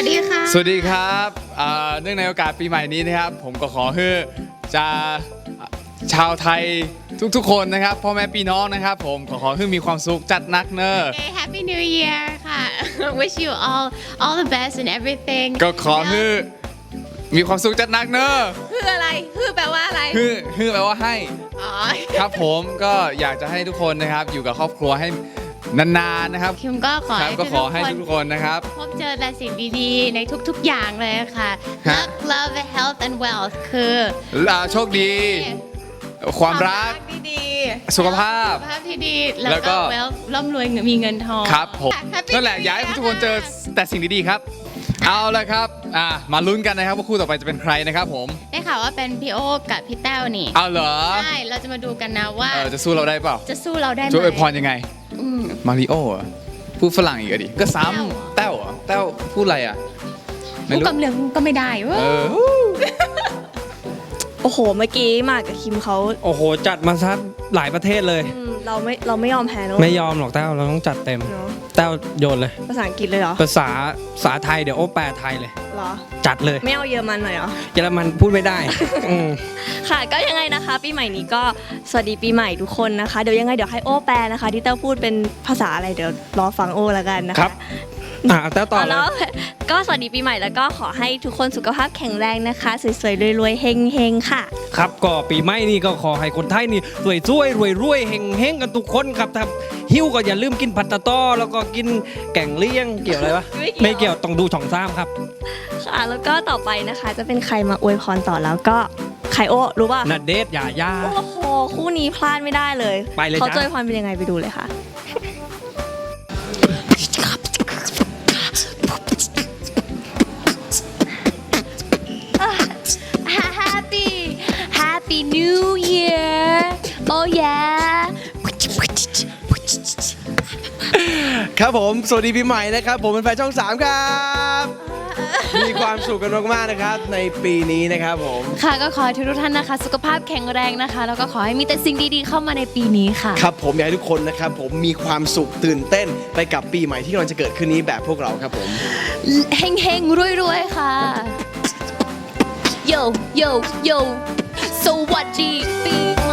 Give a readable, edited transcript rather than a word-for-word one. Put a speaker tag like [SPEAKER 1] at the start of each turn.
[SPEAKER 1] สดีค่ะ
[SPEAKER 2] สวัสดีครับเนื่องในโอกาสปีใหม่นี้นะครับผมก็ขอให้จะชาวไทยทุกๆคนนะครับพ่อแม่พี่น้องนะครับผมขอให้มีความสุขจัดนักเนอะ
[SPEAKER 1] Okay, Happy New Year ค่ะ Wish you all the best and everything
[SPEAKER 2] ก็ขอให้มีความสุขจัดนักเนอะ
[SPEAKER 1] คืออะไรคือแปลว่าอะไร
[SPEAKER 2] ฮือแปลว่าให้
[SPEAKER 1] อ๋อ
[SPEAKER 2] ครับผมก็อยากจะให้ทุกคนนะครับอยู่กับครอบครัวให้นานๆนะครับ
[SPEAKER 1] คิมก็ขอ
[SPEAKER 2] ครับ
[SPEAKER 1] ให้
[SPEAKER 2] ก็ขอให้ทุกคนนะครับ
[SPEAKER 1] พบเจอแต่สิ่งดีๆในทุกๆอย่างเลยค่ะ
[SPEAKER 2] ฮะ
[SPEAKER 1] Luck Love Health and Wealth คือ
[SPEAKER 2] โชคดี ความรัก
[SPEAKER 1] ดี
[SPEAKER 2] สุขภาพ
[SPEAKER 1] สุขภาพที่ดี
[SPEAKER 2] แล้
[SPEAKER 1] แล้ว ว
[SPEAKER 2] ก็
[SPEAKER 1] ก็ wealth ร่ำรวยมีเงินทอง
[SPEAKER 2] ครับผม
[SPEAKER 1] Happy
[SPEAKER 2] นั่นแหละ
[SPEAKER 1] New
[SPEAKER 2] อยากให้
[SPEAKER 1] Year
[SPEAKER 2] ทุกคนเจอแต่สิ่งดีๆครับ เอาละครับมาลุ้นกันนะครับว่าคู่ต่อไปจะเป็นใครนะครับผม
[SPEAKER 1] ได้ข่าวว่าเป็นพี่โอ๊คกับพี่แต้วนี่
[SPEAKER 2] เอาเหรอ
[SPEAKER 1] ใช่เราจะมาดูกันนะว่า
[SPEAKER 2] จะสู้เราได้เปล่า
[SPEAKER 1] จะสู้เราได้ไหม
[SPEAKER 2] ช่วยอวยพรยังไง
[SPEAKER 1] อืม
[SPEAKER 2] มาริโอเหรอพูดฝรั่งอีกอะดิก็ซ้ำแต้วเหรอแต้วพูดอะไรอ่ะไม่
[SPEAKER 1] ผู้
[SPEAKER 2] รู้
[SPEAKER 1] กำเลืองก็ไม่ได้เว้ย
[SPEAKER 2] เออ
[SPEAKER 3] โอ้โห เมื่อกี้หมากกับคิมเขา
[SPEAKER 4] โอ้โหจัดมาซะหลายประเทศเลย
[SPEAKER 3] เราไม่ยอมแพ้เนอะ
[SPEAKER 4] ไม่ยอมหรอกแต้วเราต้องจัดเต็ม
[SPEAKER 3] เนอะ
[SPEAKER 4] แต้วโยนเลย
[SPEAKER 3] ภาษาอังกฤษเลยเหรอ
[SPEAKER 4] ภาษาไทยเดี๋ยวโอ้แปลไทยเลย
[SPEAKER 3] เหรอ
[SPEAKER 4] จัดเลย
[SPEAKER 3] ไม่เอาเยอรมันหน่อยเหรอ
[SPEAKER 4] เยอรมันพูดไม่ได้ อืม
[SPEAKER 3] ค่ะ ก็ยังไงนะคะ ปีใหม่นี้ก็สวัสดีปีใหม่ทุกคนนะคะ เดี๋ยวยังไงเดี๋ยวให้โอ้แปลนะคะ ที่เต้าพูดเป็นภาษาอะไรเดี๋ยวรอฟังโอ้แล้วกันนะคะ
[SPEAKER 4] ครับแต้วต่อเลย
[SPEAKER 3] แล้วก็สวัสดีปีใหม่แล้วก็ขอให้ทุกคนสุขภาพแข็งแรงนะคะสวยๆรวยๆเฮงๆค่ะ
[SPEAKER 4] ครับก็ปีใหม่นี่ก็ขอให้คนไทยนี่รวยรวยเฮงกันทุกคนครับถ้าหิวก็อย่าลืมกินผัดตะต้อแล้วก็กินแกงเลี่ยงเกี่ยวอะไรวะ
[SPEAKER 3] ไม่เกี่ยว
[SPEAKER 4] ไม่เกี่ยวต้องดูช่องซ้ำครับ
[SPEAKER 3] ค่ะ แล้วก็ต่อไปนะคะจะเป็นใครมาอวยพรต่อแล้วก็ใครโอ้รู้ป่ะ
[SPEAKER 4] นัดเดทอย่าย่า
[SPEAKER 3] โอ้โหคู่นี้พลาดไม่ได้เลย
[SPEAKER 4] ไปเลย
[SPEAKER 3] เขา
[SPEAKER 4] จ้ะ
[SPEAKER 3] จะอวยพรเป็นยังไงไปดูเลยค่ะ
[SPEAKER 1] Happy New Year Oh yeah
[SPEAKER 5] ครับผมสวัสดีปีใหม่นะครับผมเป็นแฟนช่อง 3 ครับ มีความสุขกันมากๆนะครับในปีนี้นะครับผม
[SPEAKER 1] ค่ะก็ขอให้ทุกท่านนะคะ สุขภาพแข็งแรงนะคะ แล้วก็ขอให้มีแต่สิ่งดีๆเข้ามาในปีนี้ค่ะ
[SPEAKER 5] ครับผมอยากให้ทุกคนนะครับผมมีความสุขตื่นเต้นไปกับปีใหม่ที่กำลังจะเกิดขึ้นนี้แบบพวกเราครับผม
[SPEAKER 1] เฮงๆรวยๆค่ะ Yo Yo Yo สวัสดีปี